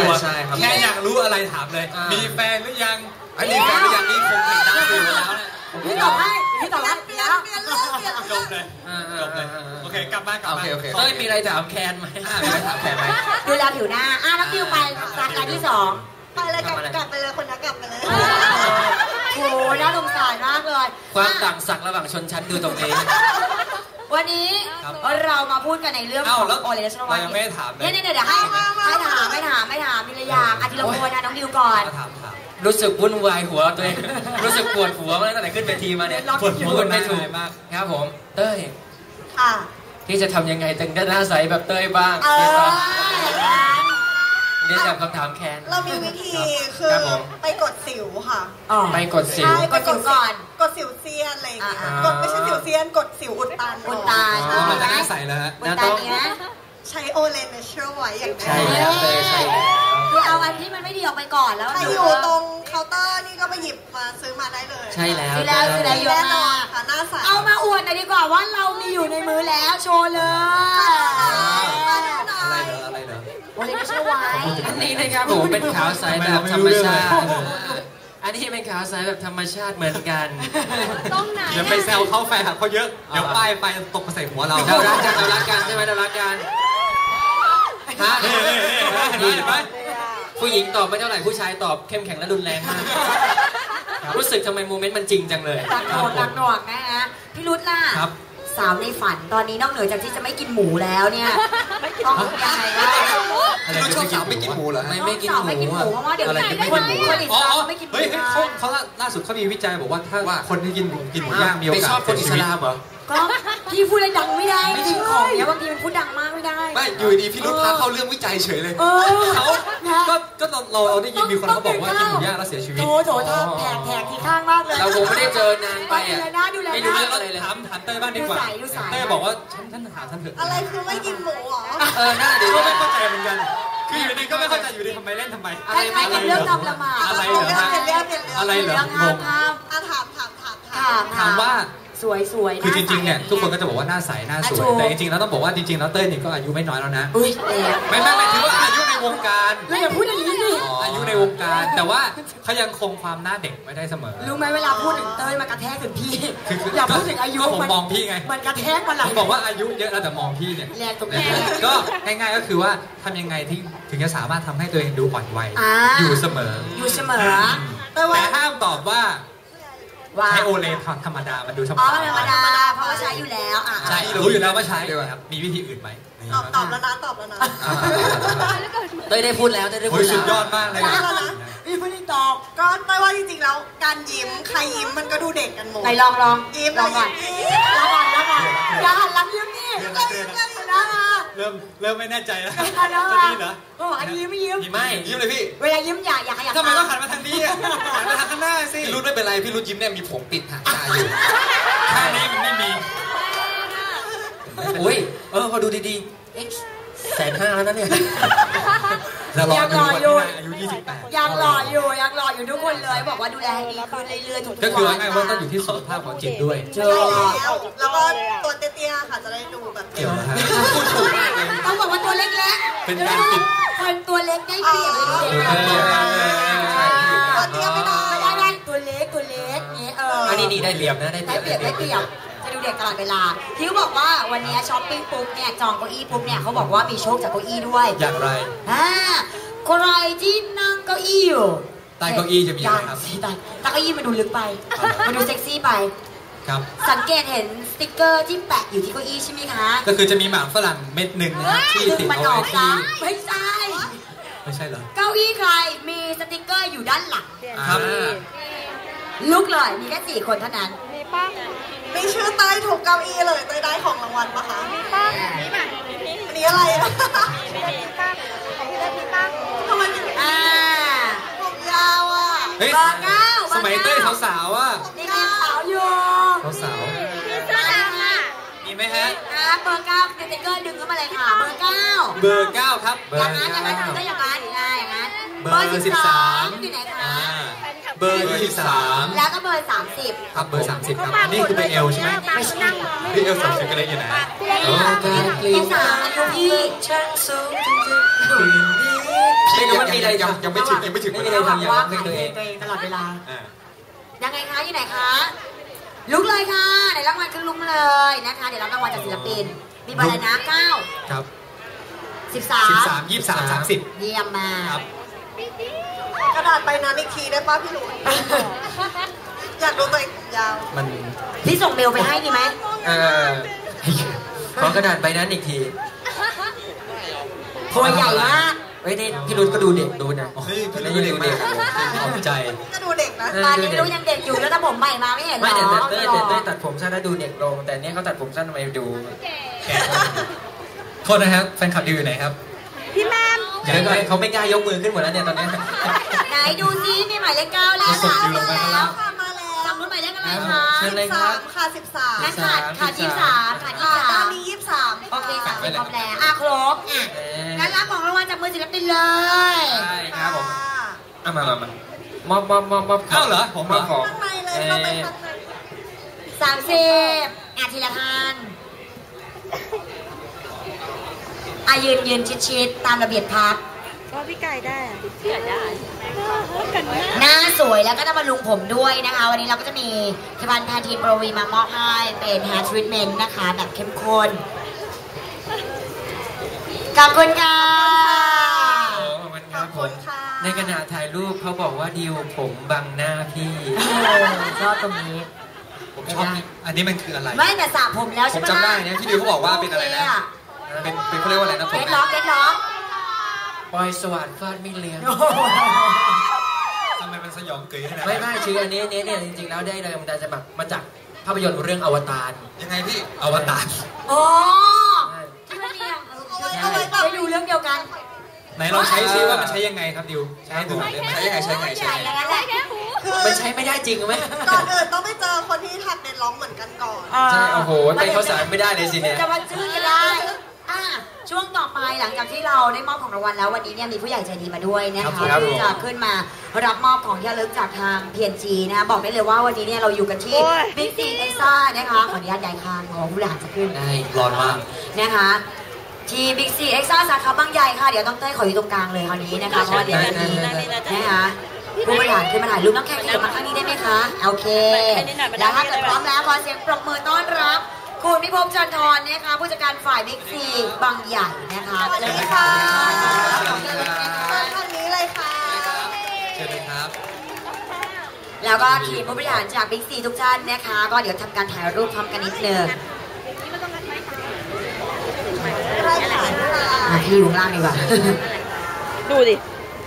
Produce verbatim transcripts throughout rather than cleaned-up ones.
ตัวแค่อยากรู้อะไรถามเลยมีแฟนหรือยังไอ้มีแฟนหรือยังนี่คงเป็นได้อยู่แล้วนะพี่ตอบให้พี่ตอบให้แล้วจบเลยจบเลยโอเคกลับมากลับมาเฮ้ยมีอะไรถามแคนไหมมีอะไรถามแคนไหมดูแลผิวหน้าอ่ะน้องดิวไปสาขาที่สองไปเลยกลับกลับไปเลยคนนักกลับไปเลยโอ้น่าสงสารมากเลยความต่างศักดิ์ระหว่างชนชั้นดูตรงนี้วันนี้เรามาพูดกันในเรื่องของโอเลชนวัฒน์ยังไม่ถามเลยเนี่ยเดี๋ยวให้ให้ถามไม่ถามไม่ถามมีระยางอาทิตย์ละคนนะน้องดิวก่อนรู้สึกวุ่นวายหัวตัวเองรู้สึกปวดหัวมาตั้งแต่ขึ้นเวทีมาเนี่ยปวดหัวไม่ถูกมากครับผมเต้ยที่จะทำยังไงถึงจะหน้าใสแบบเต้ยบ้างเรียนแบบคำถามแคนเรามีวิธีคือไปกดสิวค่ะไปกดสิวกดสิวก่อนกดสิวเซียนอะไรอย่างเงี้ยกดไม่ใช่สิวเซียนกดสิวอุดตันอุดตันมันจะหน้าใสแล้วฮะอุดตันนี้นะใช้โอเลนเนเชอร์ไว้อย่างใช่แล้วใช่แล้วคือเอาอันที่มันไม่ดีออกไปก่อนแล้วใครอยู่ตรงเคาน์เตอร์นี่ก็ไปหยิบมาซื้อมาได้เลยใช่แล้วซื้อแล้วซื้อแล้วเยอะมากค่ะหน้าใสเอามาอวดหน่อยดีกว่าว่าเรามีอยู่ในมือแล้วโชว์เลยอะไรเหรออะไรเหรอโอเลนเนเชอร์ไว้อันนี้นะครับผมเป็นขาวใสแบบธรรมชาติอันนี้เป็นขาวใสแบบธรรมชาติเหมือนกันต้องไหนอย่าไปแซวเขาแฟนเขาเยอะเดี๋ยวป้ายไฟตกมาใส่หัวเราเรารักกันเรารักกันใช่ไหมเรารักกันฮะผู้หญิงตอบไม่เท่าไหร่ผู้ชายตอบเข้มแข็งและรุนแรงมากรู้สึกทำไมโมเมนต์มันจริงจังเลยตักหน่วงตักหน่วงนะฮะพี่รุตล่ะสาวในฝันตอนนี้นอกเหนือจากที่จะไม่กินหมูแล้วเนี่ยต้องยังไงบ้างรู้ชอบสาวไม่กินหมูเหรอไม่ไม่กินหมูไม่กินหมูเพราะว่าเดี๋ยวคนคนอิสลามไม่กินหมูเฮ้ยเขาเขาล่าสุดเขามีวิจัยบอกว่าถ้าคนที่กินกินหมูย่างมีโอกาสไปชอบคนอิสลามเหรอก็พี่พูดอะไรดังไม่ได้จริงของเนี้ยบางทีมันพูดดังมากไม่ได้ไม่อยู่ดีพี่รุธพาเข้าเรื่องวิจัยเฉยเลยเขาก็ก็เราเราได้ยินมีคนเขาบอกว่ากินหมูย่างแล้วเสียชีวิตโถโถท่าแผลแผลที่ข้างมากเลยเราคงไม่ได้เจอนานไปอ่ะไม่รู้เรื่องอะไรเลยถามถามเต้ยบ้างดีกว่าเต้ยบอกว่าฉันฉันถามท่านเถอะอะไรคือไม่กินหมูหรอเออน่าดีก็ไม่เข้าใจเหมือนกันคืออยู่ดีก็ไม่เข้าใจอยู่ดีทำไมเล่นทำไมอะไรอะไรเรื่องทำละหมาดอะไรเหรออะไรเหรอถามถามถามถามถามถามถามว่าสวยสวยคือจริงๆเนี่ยทุกคนก็จะบอกว่าหน้าใสหน้าสวยแต่จริงๆแล้วต้องบอกว่าจริงๆแล้วเต้ยนี่ก็อายุไม่น้อยแล้วนะไม่ไม่ไม่ถือว่าอายุในวงการแล้วอย่าพูดอย่างนี้ดิอายุในวงการแต่ว่าเขายังคงความหน้าเด็กไม่ได้เสมอรู้ไหมเวลาพูดถึงเต้ยมันกระแทกถึงพี่อย่าพูดถึงอายุผมมองพี่ไงมันกระแทกมาหลังบอกว่าอายุเยอะแล้วแต่มองพี่เนี่ยแรงตรงนี้ก็ง่ายๆก็คือว่าทำยังไงที่ถึงจะสามารถทำให้ตัวเองดูอ่อนวัยอยู่เสมออยู่เสมอแต่ห้ามตอบว่าใช้โอเลนธรรมดามันดูธรรมดาธรรมดาเพราะว่าใช้อยู่แล้วอ่ะใช่รู้อยู่แล้วว่าใช้ครับมีวิธีอื่นไหมตอบตอบแล้วนะตอบแล้วนะเต้ยได้พูดแล้วเต้ยได้พูดแล้วสุดยอดมากเลยนะนี่ไม่ได้ตอบก็ไม่ว่าจริงๆแล้วการยิ้มใครยิ้มมันก็ดูเด็กกันหมดไหนลองลองยิ้มลองก่อนลองก่อนลองก่อนอย่าหันหลังยิ้มนี่เริ่มเริ่มไม่แน่ใจแล้วจะดีเหรอก็บอกอันนี้ยิ้มไม่ยิ้มไม่ยิ้มเลยพี่เวลายิ้มอย่าอย่าขยับทำไมต้องหันมาทางนี้หันมาทางข้างหน้าสิพี่รุธไม่เป็นไรพี่รุธยิ้มเนี่ยมีผมปิดหางตาอยู่แค่นี้มันไม่มีโอ้ยเออพอดูดีๆแสนห้าแล้วนะเนี่ยยังรออยู่อายุยี่สิบแปดยังรออยู่ยังรออยู่ทุกคนเลยบอกว่าดูแลให้ดีขึ้นเรื่อยๆทุกวันก็คือง่ายๆว่าต้องอยู่ที่สุขภาพของจิตด้วยใช่แล้วแล้วก็ตัวเตี้ยๆค่ะจะได้ดูแบบเกี่ยวนะฮะต้องบอกว่าตัวเล็กๆเป็นการปิดคนตัวเล็กได้เปรียบเลยเด็กตัวเตี้ยไม่ได้ไม่ได้ตัวเล็กตัวเล็กนี้เอออันนี้ดีได้เปรียบนะได้เปรียบได้เปรียบจะดูเด็กตลอดเวลาที่เขาบอกว่าวันนี้ช้อปปิ้งปุ๊บเนี่ยจองเก้าอี้ปุ๊บเนี่ยเขาบอกว่ามีโชคจากเก้าอี้ด้วยอย่างไรอ่าใครที่นั่งเก้าอี้อยู่ใต้เก้าอี้จะมีอะไรครับใต้ใต้เก้าอี้มันดูลึกไปมันดูเซ็กซี่ไปครับสังเกตเห็นสติ๊กเกอร์ที่แปะอยู่ที่เก้าอี้ใช่ไหมคะก็คือจะมีหมากฝรั่งเม็ดหนึ่งนะที่ติดเอาไว้ที่ไม่ใช่ไม่ใช่เหรอเก้าอี้ใครมีสติ๊กเกอร์อยู่ด้านหลังครับลุกเลยมีแค่สี่คนเท่านั้นมีป้ามีชื่อใต้ถูกเก้าอี้เลยใต้ได้ของรางวัลปะคะมีป้ามีแบบอันนี้อะไรอ่ะมีป้าของพี่เล็กมีป้าทำไมถึงอ่าผมยาวอ่ะเฮ้ยสมัยเต้ยสาวๆอ่ะนี่มีสาวอยู่สาวๆมีเสื้อดำอ่ะมีไหมฮะอ่าเบอร์เก้าสติ๊กเกอร์ดึงเข้ามาเลยค่ะเบอร์เก้าเบอร์เก้าครับอย่างนั้นอย่างนั้นก็อย่างนั้นอย่างนั้นเบอร์สิบสามอยู่ไหนคะเบอร์ยี่สิบสามแล้วก็เบอร์สามสิบครับเบอร์สามสิบครับนี่คือเบอร์เอลใช่ไหมไม่ใช่นี่เอลสามสิบก็เลยอยู่ไหนโอ้ยเป็นสามอายุพี่ช่างสูงจริงๆอย่ามีอะไรยังยังไม่ถึงยังไม่ถึงไม่มีอะไรทำอย่างนั้นตัวเองตลอดเวลายังไงคะอยู่ไหนคะลุกเลยค่ะไหนรางวัลขึ้นลุกมาเลยนะคะเดี๋ยวรับรางวัลจากศิลปินมีเบอร์อะไรนะเก้าครับสิบสามสิบสามยี่สิบสามสามสิบเยี่ยมมากกระดาษใบนั้นอีกทีได้ป่ะพี่หลุยอยากดูตัวเองยาวมันพี่ส่งเมลไปให้ดีไหมเออขอกระดาษใบนั้นอีกทีตัวใหญ่มากเฮ้ยนี่พี่รุ่นก็ดูเด็กดูนะเฮ้ยพี่รุ่นดูเด็กมากขอบใจก็ดูเด็กนะตอนนี้รู้ยังเด็กอยู่แล้วถ้าผมใหม่มาไม่เห็นหรอไม่แต่เต้ยเต้ยตัดผมสั้นแล้วดูเด็กลงแต่เนี้ยเขาตัดผมสั้นทำไมดูแก่โทษนะครับแฟนคลับดิวอยู่ไหนครับพี่แมมเดี๋ยวเขาไม่กล้ายกมือขึ้นหมดแล้วเนี่ยตอนนี้ไหนดูซิมีหมายเลขเก้าแล้วค่ะมาแล้วจำรุ่นหมายเลขอะไรคะสิบสามค่ะสิบสามขาดขาดยี่สิบสามขาดยี่สิบสามมียี่สิบสามโอเคสามสิบครบแล้วอ่ะครบอ่ะงั้นรับของรางวัลจากมือศิลปินเลยใช่ครับผมเอามามามอบมอบมอบมอบเข้าเหรอผมมาของข้างในเลยเข้าไปข้างในสามสิบอ่ะทีละท่านอ่ะยืนยืนชิดๆตามระเบียบพักก็พี่ไก่ได้พี่ไก่ได้หน้าสวยแล้วก็ต้องมาลุงผมด้วยนะคะวันนี้เราก็จะมีผลิตภัณฑ์แพนทีนโปรวีมามอบให้เป็นแฮร์ทรีทเมนต์นะคะแบบเข้มข้นขอบคุณค่ะขอบคุณครับผมในขณะถ่ายรูปเขาบอกว่าดิวผมบังหน้าพี่ชอบตรงนี้ผมชอบอันนี้มันคืออะไรไม่แต่สระผมแล้วใช่ไหมผมจำได้นะพี่ดิวเขาบอกว่าเป็นอะไรนะเป็นเป็นเขาเรียกว่าอะไรนะผมเก็ตล็อกเก็ตล็อกปอยสวัสดิ์ฟาดไม่เลี้ยงทำไมมันสยองเกยขนาดไม่ไม่ชื่ออันนี้เนี่ยจริงๆแล้วได้แรงบันดาลใจมาจากภาพยนตร์เรื่องอวตารยังไงพี่อวตารอ๋อที่มันมีเอาไว้ไปดูเรื่องเดียวกันไหนลองใช้ซิว่ามันใช้ยังไงครับดิวใช้ดูได้ไหมใช้ยังไงใช้ยังไงใช้ยังไงมันใช้ไม่ได้จริงไหมก่อนอื่นต้องไปเจอคนที่ทักเด็ดร้องเหมือนกันก่อนใช่โอ้โหไปเขาสารไม่ได้เลยสิเนี่ยจะมาชื่อกันได้ช่วงต่อไปหลังจากที่เราได้มอบของรางวัลแล้ววันนี้เนี่ยมีผู้ใหญ่ใจดีมาด้วยนะคะที่จะขึ้นมารับมอบของที่ระลึกจากทาง พี เอ็น จี นะคะบอกได้เลยว่าวันนี้เนี่ยเราอยู่กันที่ Big C Extra นะคะขออนุญาตย้ายคานของผู้บริหารจะขึ้นได้ร้อนมากนะคะที่ Big C Extra สาขาบางใหญ่ค่ะเดี๋ยวต้องเต้ยขออยู่ตรงกลางเลยคราวนี้นะคะเพราะว่าเดี๋ยวจะมีนะคะผู้บริหารขึ้นมาถ่ายรูปน้องแขกขยับมาข้างนี้ได้ไหมคะโอเคแล้วถ้าเกิดพร้อมแล้วขอเสียงปรบมือต้อนรับคุณพิภพจันทร์นะคะผู้จัดการฝ่ายบิ๊กซีบางใหญ่นะคะสวัสดีค่ะท่านนี้เลยค่ะเชิญเลยครับแล้วก็ทีมผู้บริหารจากบิ๊กซีทุกท่านนะคะก็เดี๋ยวทำการถ่ายรูปพร้อมกันนิดนึงพี่อยู่ข้างล่างดีกว่าดูดิ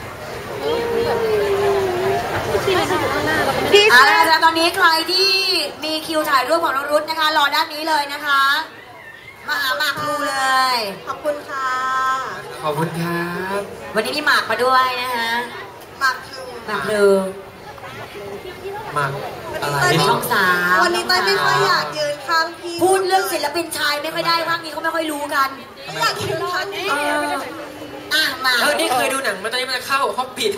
เอาละค่ะตอนนี้ใครที่มีคิวถ่ายรูปของน้องรุ้นะคะรอด้านนี้เลยนะคะมาหาหมากพลูเลยขอบคุณค่ะขอบคุณครับวันนี้มีหมากมาด้วยนะคะหมากพลูหมากพลูหมากอะไรช่องสามวันนี้เต้ยไม่ค่อยอยากยืนข้างพี่พูดเรื่องศิลปินชายไม่ค่อยได้ภาคนี้เขาไม่ค่อยรู้กันอยากยืนข้างพี่อ่ะมาเออนี่เคยดูหนังมาตอนนี้มันจะเข้าห้องปิด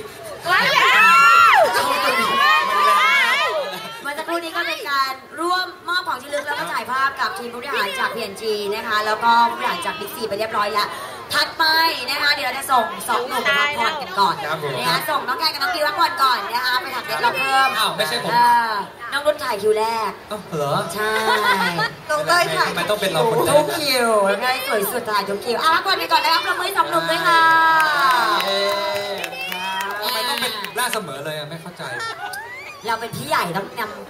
เมื่อสักครู่นี้ก็เป็นการร่วมมอบของที่ระลึกแล้วก็ถ่ายภาพกับทีมผู้บริหารจาก พี เอ็น จี นะคะแล้วก็ผู้บริหารจาก Big C ไปเรียบร้อยแล้วถัดไปนะคะเดี๋ยวเราจะส่งสองหนุ่มไปพักผ่อนกันก่อนนะคะส่งน้องแกกับน้องดิวพักผ่อนก่อนนะคะไปถักเด็ดเราเพิ่มอ้าวไม่ใช่ผมน้องรุ่นถ่ายคิวแรกอ้าวเหรอใช่น้องเต้ยถ่ายทำไมต้องเป็นเราคนแรกทุกคิวง่ายสวยสุดถ่ายทุกคิวอ่ะพักผ่อนไปก่อนนะครับเราไม่สองหนุ่มด้วยค่ะทำไมต้องเป็นล่าเสมอเลยอ่ะไม่เข้าใจเราเป็นพี่ใหญ่ต้องนำ